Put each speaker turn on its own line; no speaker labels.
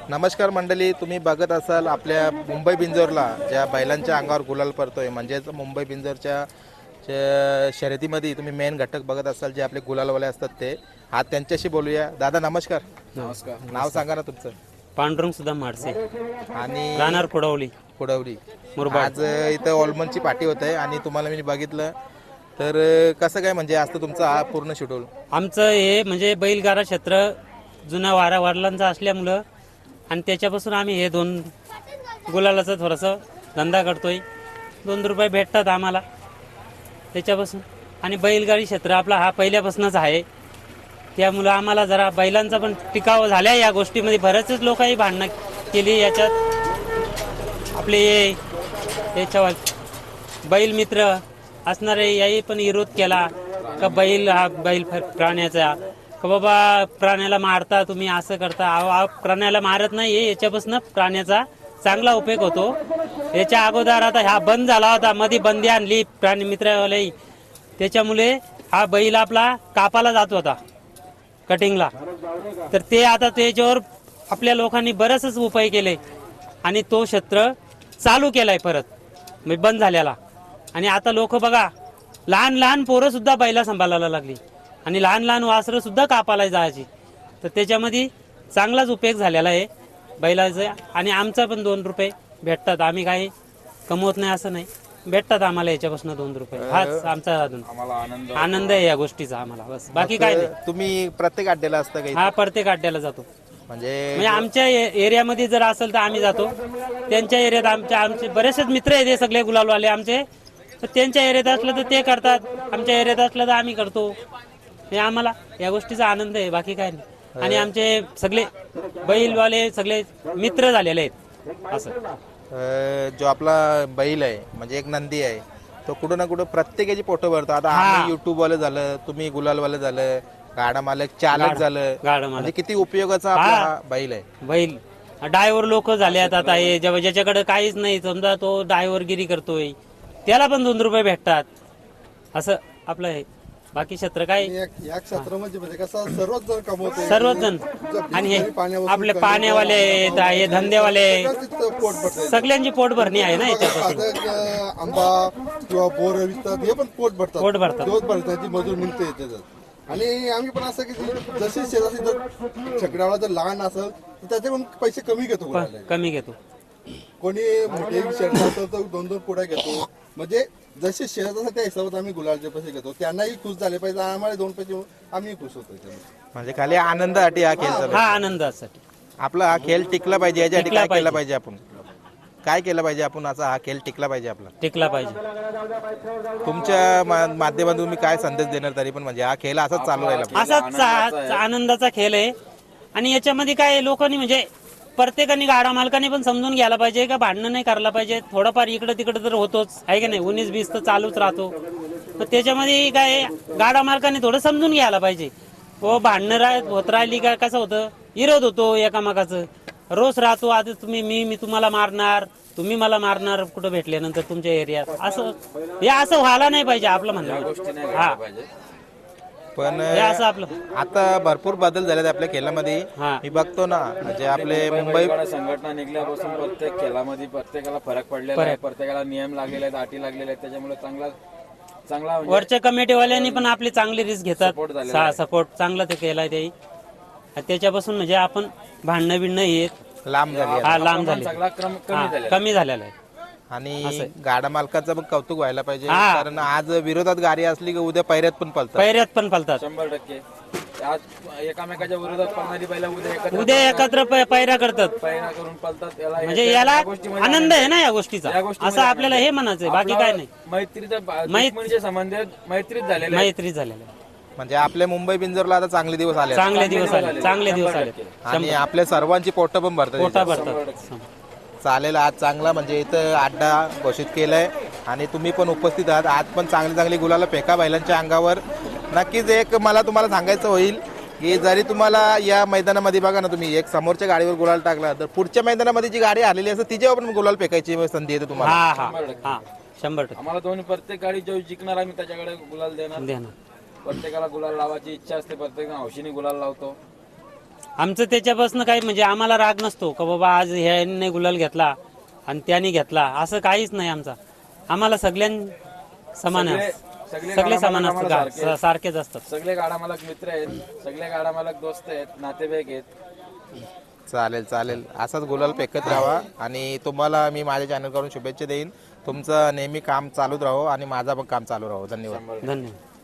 नमस्कार मंडळी, तुम्ही बघत असाल आपल्या मुंबई बिंजोरला ज्या बैलांच्या अंगावर गुलाल पडतोय, म्हणजेच मुंबई बिंजोरच्या शर्यतीमध्ये तुम्ही मेन घटक बघत असाल जे आपले गुलालवाले असतात ते. आज त्यांच्याशी बोलूया. दादा नमस्कार.
नमस्कार.
नाव सांगा ना तुमचं.
पांडुरंग सुद्धा माडसे
आणि
राहणार कुडावली.
आज इथं ऑलमनची पार्टी होत आहे आणि तुम्हाला मी बघितलं तर कसं काय म्हणजे असतं तुमचं हा पूर्ण शेड्यूल?
आमचं हे म्हणजे बैलगाडा क्षेत्र जुना वडिलांचा असल्यामुळं आणि त्याच्यापासून आम्ही हे दोन गुलालाचा थोडासा धंदा करतोय. 2 रुपये भेटतात आम्हाला त्याच्यापासून. आणि बैलगाडी क्षेत्र आपला हा पहिल्यापासूनच आहे, त्यामुळं आम्हाला जरा बैलांचा पण टिकाव झाल्या. या गोष्टीमध्ये बरेचच लोकही भांडणं केली. याच्यात आपले याच्यावर बैल मित्र असणारे याही पण विरोध केला का बैल हा बैल प्राण्याचा, का बाबा प्राण्याला मारता तुम्ही, असं करता. प्राण्याला मारत नाही, याच्यापासून प्राण्याचा चांगला उपयोग होतो. याच्या अगोदर आता हा बंद झाला होता, मध्ये बंदी आणली प्राणी मित्रावाले, त्याच्यामुळे हा बैल आपला कापाला जात होता कटिंगला. तर ते आता त्याच्यावर आपल्या लोकांनी बरेचच उपाय केले आणि तो क्षेत्र चालू केलाय परत, म्हणजे बंद झालेला. आणि आता लोक बघा, लहान लहान पोरं सुद्धा बैला सांभाळायला लागली आणि लहान लहान वासरं सुद्धा कापाला जायची. तर त्याच्यामध्ये चांगलाच उपयोग झालेला आहे बैलाचा. आणि आमचा पण 2 रुपये भेटतात. आम्ही काही कमवत नाही असं नाही, भेटतात आम्हाला याच्यापासून 2 रुपये. हाच आमचा आनंद आहे या गोष्टीचा आम्हाला, बस बाकी काय नाही.
तुम्ही प्रत्येक अड्ड्याला असता का?
हा, प्रत्येक अड्ड्याला जातो.
म्हणजे
आमच्या एरियामध्ये जर असेल तर आम्ही जातो. त्यांच्या एरियात आमचे बरेचसे मित्र आहेत, सगळे गुलालवाले आमचे. तर त्यांच्या एरियात असलं तर ते करतात, आमच्या एरियात असलं तर आम्ही करतो. हे आम्हाला या गोष्टीचा आनंद आहे, बाकी काय नाही. आणि आमचे सगळे बैलवाले सगळे मित्र झालेले आहेत. असं
जो आपला बैल आहे म्हणजे एक नंदी आहे, तो कुठं ना कुठं प्रत्येकाची पोटं भरतो. आता आम्ही युट्यूब वाले झालं, तुम्ही गुलालवाले झालं, गाडा मालक चालक झालं, म्हणजे किती उपयोगाचा आपला हा बैल आहे.
बैल ड्रायव्हर लोक झाले आता हे ज्याच्याकडे काहीच नाही, समजा तो ड्रायव्हरगिरी करतोय, त्याला पण 2 रुपये भेटतात. असं आपलं आहे. बाकी क्षेत्र काय
या क्षेत्रामध्ये म्हणजे कसं सर्वच जण कमवते,
सर्वच जण. आणि हे आपले पाण्यावाले हे धंदेवाले सगळ्यांची पोट भरणी आहे ना याच्यापासून.
आंबा किंवा बोर विकतात, हे पण पोट
पोट भरतात.
भरण्याची मजूर मिळते त्याच्यात. आणि आम्ही पण असं की जशी शेजारी जर छकड्यावाला जर लहान असेल तर त्याचे पण पैसे कमी घेतो.
कमी घेतो.
कोणी मोठे शेड असेल तर 2-2 पुढे घेतो. म्हणजे जसे शेअर असतात त्या हिशोबात आम्ही गुलालचे पैसे घेतो. त्यांनाही खुश झाले पाहिजे, आम्हाला 2 पैसे आम्ही खुश होतो.
म्हणजे खाली आनंदासाठी हा खेळ चालू
हा,
आहे.
आनंदासाठी
आपला हा खेळ टिकला पाहिजे, यासाठी
टिकला
काय केलं
पाहिजे.
पाहिजे आपण? काय केलं पाहिजे आपण असा हा खेळ टिकला पाहिजे आपला?
टिकला पाहिजे.
तुमच्या माध्यमातून तुम्ही काय संदेश देणार तरी पण, म्हणजे हा खेळ असाच चालू राहिला पाहिजे?
असाच आनंदाचा खेळ आहे. आणि याच्यामध्ये काय लोकांनी म्हणजे प्रत्येकाने गाडा मालकाने पण समजून घ्यायला पाहिजे का भांडणं नाही करायला पाहिजे. थोडंफार इकडे तिकडे तर होतोच आहे का नाही, 19-20 तर चालूच राहतो. तर त्याच्यामध्ये काय गाडा मालकाने थोडं समजून घ्यायला पाहिजे. हो, भांडणं होत राहिली का कसं होतं, विरोध होतो एकामेकाचं, रोज राहतो. आता मी तुम्हाला मारणार, तुम्ही मला मारणार कुठं भेटल्यानंतर तुमच्या एरियात. असं हे असं व्हायला नाही पाहिजे आपलं म्हणणं. हा,
पण
हे असं आपलं
आता भरपूर बदल झालेत आपल्या खेळामध्ये. मी बघतो ना, म्हणजे आपले मुंबई
संघटना निघल्यापासून प्रत्येक खेळामध्ये प्रत्येकाला फरक पडलेला आहे, प्रत्येकाला नियम लागलेले आहेत, अटी लागलेल्या आहेत. त्याच्यामुळे चांगला
वरच्या कमिटीवाल्यांनी पण आपली चांगली रिस्क घेतात, सपोर्ट चांगला ते केलाय ते. त्याच्यापासून म्हणजे आपण भांडणं बिणणं येत
लांब झाली.
हा, लांब झाले,
सगळा क्रम
कमी झालेला आहे.
आणि गाडा मालकाचं पण कौतुक व्हायला पाहिजे, कारण आज विरोधात गाडी असली की उद्या पैऱ्यात पण पळतात.
100%. आज एकामेकाच्या विरोधात पळणारी बैला
उद्या एकत्र पैरा करतात,
पैरा करून पळतात.
म्हणजे याला आनंद आहे ना या गोष्टीचा. असं आपल्याला हे म्हणायचंय, बाकी काय नाही.
मैत्रीचा संबंध मैत्रीत झालेला आहे.
म्हणजे आपल्या मुंबई बिंजोरला आता चांगले दिवस आले.
चांगले दिवस आले
आणि आपल्या सर्वांची पोटं पण भरतात. चालेल, आज चांगला म्हणजे इथं अड्डा घोषित केलाय आणि तुम्ही पण उपस्थित आहात. आज पण चांगली गुलाला फेका बैलांच्या अंगावर. नक्कीच एक मला तुम्हाला सांगायचं होईल की जरी तुम्हाला या मैदानामध्ये बघा ना, तुम्ही एक समोरच्या गाडीवर गुलाल टाकला तर पुढच्या मैदानामध्ये जी गाडी आलेली असते तिच्यावर पण गुलाल फेकायची संधी येते तुम्हाला.
100%.
आम्हाला दोन्ही प्रत्येक गाडी जो जिंकणार आम्ही त्याच्याकडे गुलाल देणार. प्रत्येकाला गुलाल लावायची इच्छा असते, प्रत्येक हौशीने गुलाल लावतो.
आमचं त्याच्यापासून काही म्हणजे आम्हाला राग नसतो का बाबा आज ह्याने गुलाल घेतला आणि त्याने घेतला, असं काहीच नाही आमचा. आम्हाला समान आहे. सगळे समान असतात, सारखेच असतात.
सगळे गाडा मालक मित्र आहेत, सगळे गाडा मालक दोस्त आहेत, नातेवाईक आहेत.
चालेल चालेल, असाच गुलाल फेकत राहा आणि तुम्हाला मी माझ्या चॅनल करून शुभेच्छा देईन. तुमचं नेहमी काम चालूच राहो आणि माझा पण काम चालू राहो. धन्यवाद.
धन्यवाद.